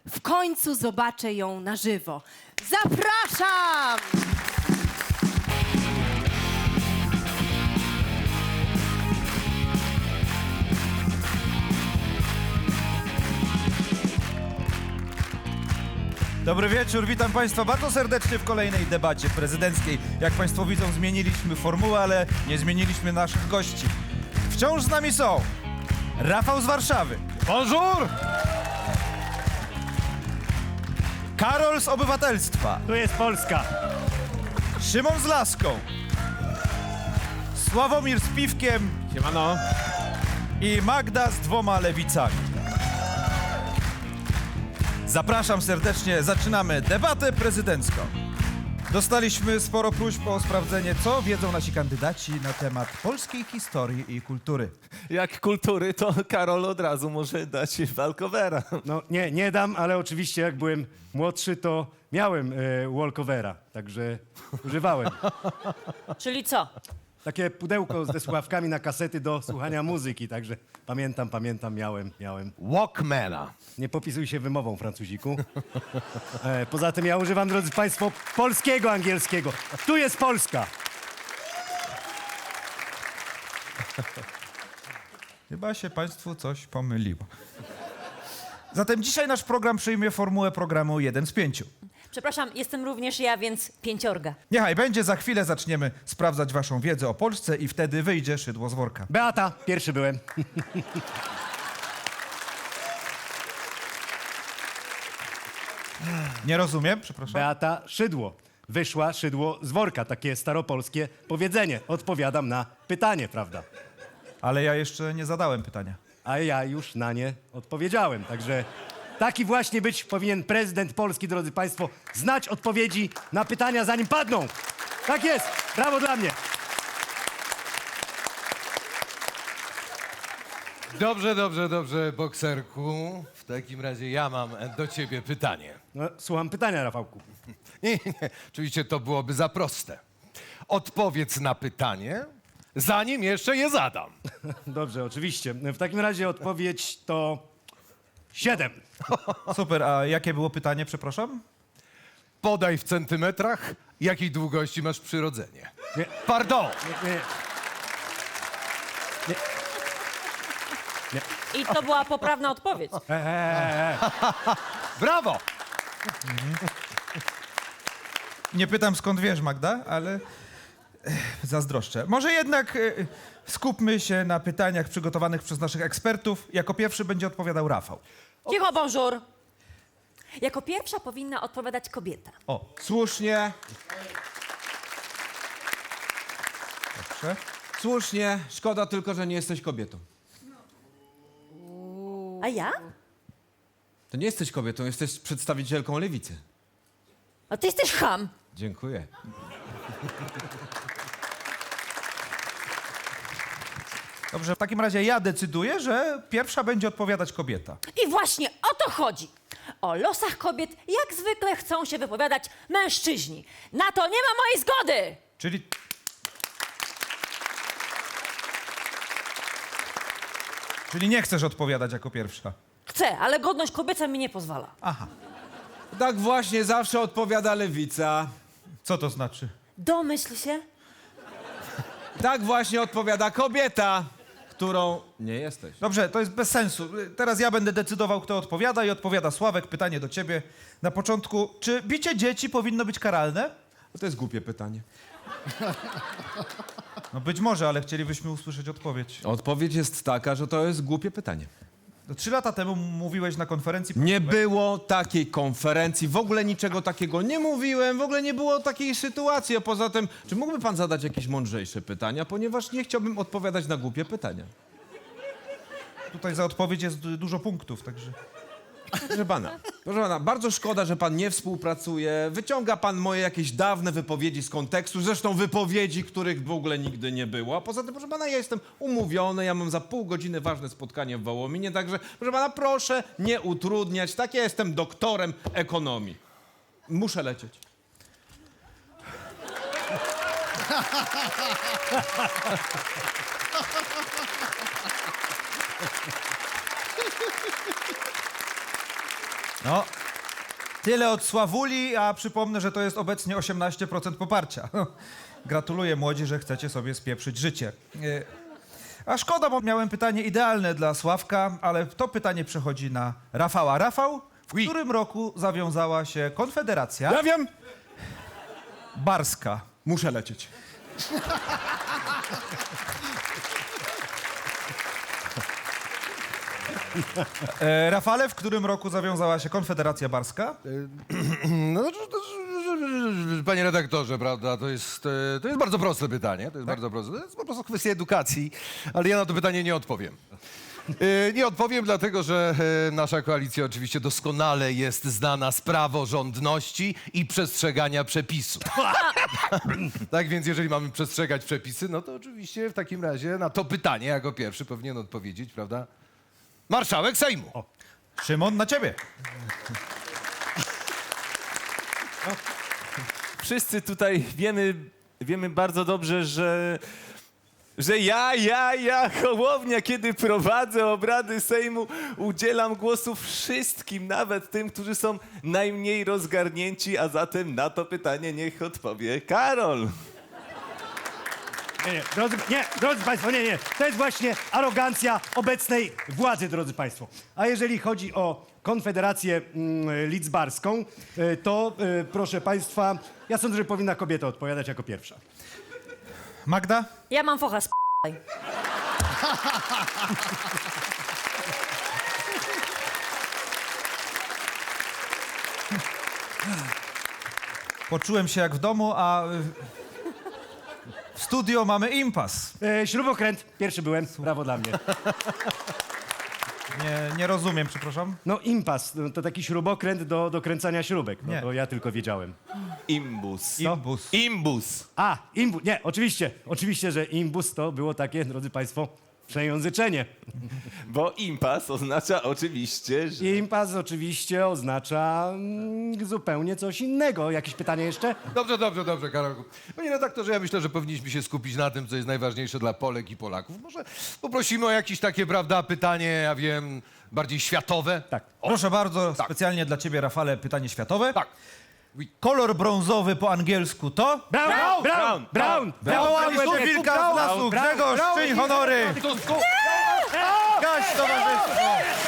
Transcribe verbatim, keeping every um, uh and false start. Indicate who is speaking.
Speaker 1: W końcu zobaczę ją na żywo. Zapraszam!
Speaker 2: Dobry wieczór, witam Państwa bardzo serdecznie w kolejnej debacie prezydenckiej. Jak Państwo widzą, zmieniliśmy formułę, ale nie zmieniliśmy naszych gości. Wciąż z nami są Rafał z Warszawy. Bonjour! Karol z Obywatelstwa.
Speaker 3: Tu jest Polska.
Speaker 2: Szymon z Laską. Sławomir z Piwkiem.
Speaker 3: Siemano.
Speaker 2: I Magda z dwoma lewicami. Zapraszam serdecznie, zaczynamy debatę prezydencką. Dostaliśmy sporo próśb o sprawdzenie, co wiedzą nasi kandydaci na temat polskiej historii i kultury.
Speaker 4: Jak kultury, to Karol od razu może dać walkowera.
Speaker 3: No nie, nie dam, ale oczywiście jak byłem młodszy, to miałem e, walkovera, także używałem.
Speaker 5: Czyli co?
Speaker 3: Takie pudełko ze słuchawkami na kasety do słuchania muzyki, także pamiętam, pamiętam, miałem, miałem.
Speaker 4: Walkmana.
Speaker 3: Nie popisuj się wymową, Francuziku. E, poza tym ja używam, drodzy Państwo, polskiego angielskiego. Tu jest Polska.
Speaker 2: Chyba się Państwu coś pomyliło. Zatem dzisiaj nasz program przyjmie formułę programu jeden z pięciu.
Speaker 5: Przepraszam, jestem również ja, więc pięciorga.
Speaker 2: Niechaj będzie, za chwilę zaczniemy sprawdzać Waszą wiedzę o Polsce i wtedy wyjdzie szydło z worka.
Speaker 3: Beata, pierwszy byłem.
Speaker 2: Nie rozumiem, przepraszam.
Speaker 3: Beata Szydło. Wyszła szydło z worka, takie staropolskie powiedzenie. Odpowiadam na pytanie, prawda?
Speaker 2: Ale ja jeszcze nie zadałem pytania.
Speaker 3: A ja już na nie odpowiedziałem. Także taki właśnie być powinien prezydent Polski, drodzy Państwo. Znać odpowiedzi na pytania, zanim padną. Tak jest. Brawo dla mnie.
Speaker 4: Dobrze, dobrze, dobrze, bokserku. W takim razie ja mam do ciebie pytanie.
Speaker 3: No, słucham pytania, Rafałku.
Speaker 4: Nie, nie, oczywiście to byłoby za proste. Odpowiedz na pytanie, zanim jeszcze je zadam.
Speaker 3: Dobrze, oczywiście. W takim razie odpowiedź to siedem.
Speaker 2: Super, a jakie było pytanie, przepraszam?
Speaker 4: Podaj w centymetrach, jakiej długości masz przyrodzenie.
Speaker 3: Nie,
Speaker 4: Pardon!
Speaker 3: nie, nie.
Speaker 5: I to była poprawna odpowiedź.
Speaker 3: E, e, e, e.
Speaker 4: Brawo!
Speaker 2: Nie pytam, skąd wiesz, Magda, ale eh, zazdroszczę. Może jednak eh, skupmy się na pytaniach przygotowanych przez naszych ekspertów. Jako pierwszy będzie odpowiadał Rafał.
Speaker 5: Cicho, bonjour. Jako pierwsza powinna odpowiadać kobieta.
Speaker 2: O,
Speaker 6: Słusznie,
Speaker 2: proszę.
Speaker 6: słusznie. Szkoda tylko, że nie jesteś kobietą.
Speaker 5: A ja?
Speaker 6: To nie jesteś kobietą, jesteś przedstawicielką lewicy.
Speaker 5: A ty jesteś cham.
Speaker 6: Dziękuję.
Speaker 2: Dobrze, w takim razie ja decyduję, że pierwsza będzie odpowiadać kobieta.
Speaker 5: I właśnie o to chodzi. O losach kobiet jak zwykle chcą się wypowiadać mężczyźni. Na to nie ma mojej zgody.
Speaker 2: Czyli... Czyli nie chcesz odpowiadać jako pierwsza.
Speaker 5: Chcę, ale godność kobieca mi nie pozwala.
Speaker 2: Aha,
Speaker 6: Tak właśnie zawsze odpowiada lewica.
Speaker 2: co to znaczy?
Speaker 5: Domyśl się.
Speaker 6: Tak właśnie odpowiada kobieta, którą nie jesteś.
Speaker 2: Dobrze, to jest bez sensu. Teraz ja będę decydował, kto odpowiada i odpowiada Sławek. Pytanie do ciebie na początku. Czy bicie dzieci powinno być karalne?
Speaker 6: To jest głupie pytanie.
Speaker 2: No być może, ale chcielibyśmy usłyszeć odpowiedź.
Speaker 6: Odpowiedź jest taka, że to jest głupie pytanie.
Speaker 2: No, Trzy lata temu mówiłeś na konferencji...
Speaker 6: Nie było takiej konferencji, w ogóle niczego takiego nie mówiłem, w ogóle nie było takiej sytuacji, a poza tym, czy mógłby pan zadać jakieś mądrzejsze pytania, ponieważ nie chciałbym odpowiadać na głupie pytania.
Speaker 2: Tutaj za odpowiedź jest du- dużo punktów, także...
Speaker 6: Proszę pana, proszę pana, bardzo szkoda, że pan nie współpracuje. Wyciąga pan moje jakieś dawne wypowiedzi z kontekstu, zresztą wypowiedzi, których w ogóle nigdy nie było. A poza tym, proszę pana, ja jestem umówiony, ja mam za pół godziny ważne spotkanie w Wołominie, także proszę pana, proszę nie utrudniać. Tak, ja jestem doktorem ekonomii. Muszę lecieć.
Speaker 2: No, tyle od Sławuli, a przypomnę, że to jest obecnie osiemnaście procent poparcia. Gratuluję młodzi, że chcecie sobie spieprzyć życie. E, A szkoda, bo miałem pytanie idealne dla Sławka, ale to pytanie przechodzi na Rafała. Rafał, w
Speaker 6: Oui.
Speaker 2: którym roku zawiązała się Konfederacja
Speaker 6: Ja wiem.
Speaker 2: Barska?
Speaker 6: Muszę lecieć.
Speaker 2: E, Rafale, w którym roku zawiązała się Konfederacja Barska?
Speaker 4: No, to- to- to- panie redaktorze, prawda, to jest, e, to jest bardzo proste pytanie, to jest bardzo proste, to jest po prostu kwestia edukacji, ale ja na to pytanie nie odpowiem. E, Nie odpowiem, dlatego że e, nasza koalicja oczywiście doskonale jest znana z praworządności i przestrzegania przepisów. Tak więc jeżeli mamy przestrzegać przepisy, no to oczywiście w takim razie na to pytanie jako pierwszy powinien odpowiedzieć, prawda, marszałek Sejmu.
Speaker 2: Szymon, na ciebie.
Speaker 7: Wszyscy tutaj wiemy, wiemy bardzo dobrze, że, że ja, ja, ja, Hołownia, kiedy prowadzę obrady Sejmu, udzielam głosu wszystkim, nawet tym, którzy są najmniej rozgarnięci, a zatem na to pytanie niech odpowie Karol.
Speaker 3: Nie, nie, drodzy, nie, drodzy Państwo, nie, nie. To jest właśnie arogancja obecnej władzy, drodzy Państwo. A jeżeli chodzi o Konfederację mm, Lidzbarską, y, to y, proszę Państwa, ja sądzę, że powinna kobieta odpowiadać jako pierwsza.
Speaker 2: Magda?
Speaker 5: Ja mam focha z
Speaker 2: Poczułem się jak w domu, a y, w studio mamy impas.
Speaker 3: E, śrubokręt, pierwszy byłem, brawo dla mnie.
Speaker 2: Nie, nie rozumiem, przepraszam.
Speaker 3: No impas, no, to taki śrubokręt do, do kręcania śrubek, no
Speaker 2: Nie.
Speaker 3: to ja tylko wiedziałem.
Speaker 7: Imbus.
Speaker 2: Imbus.
Speaker 7: Imbus.
Speaker 3: A, imbus, nie, oczywiście, oczywiście, że imbus to było takie, drodzy Państwo, przejęzyczenie.
Speaker 7: Bo impas oznacza oczywiście, że...
Speaker 3: Impas oczywiście oznacza mm, zupełnie coś innego. Jakieś pytanie jeszcze?
Speaker 4: Dobrze, dobrze, dobrze, Karolku. Panie redaktorze, ja myślę, że powinniśmy się skupić na tym, co jest najważniejsze dla Polek i Polaków. Może poprosimy o jakieś takie, prawda, pytanie, ja wiem, bardziej światowe?
Speaker 3: Tak.
Speaker 2: Proszę bardzo, specjalnie dla ciebie, Rafale, pytanie światowe.
Speaker 4: Tak.
Speaker 2: Kolor brązowy po angielsku to?
Speaker 3: Brown! Brown! Brown! Brown!
Speaker 2: Wywołali tu wilka z lasu. Grzegorz, czyń honory. Gaś towarzystwo.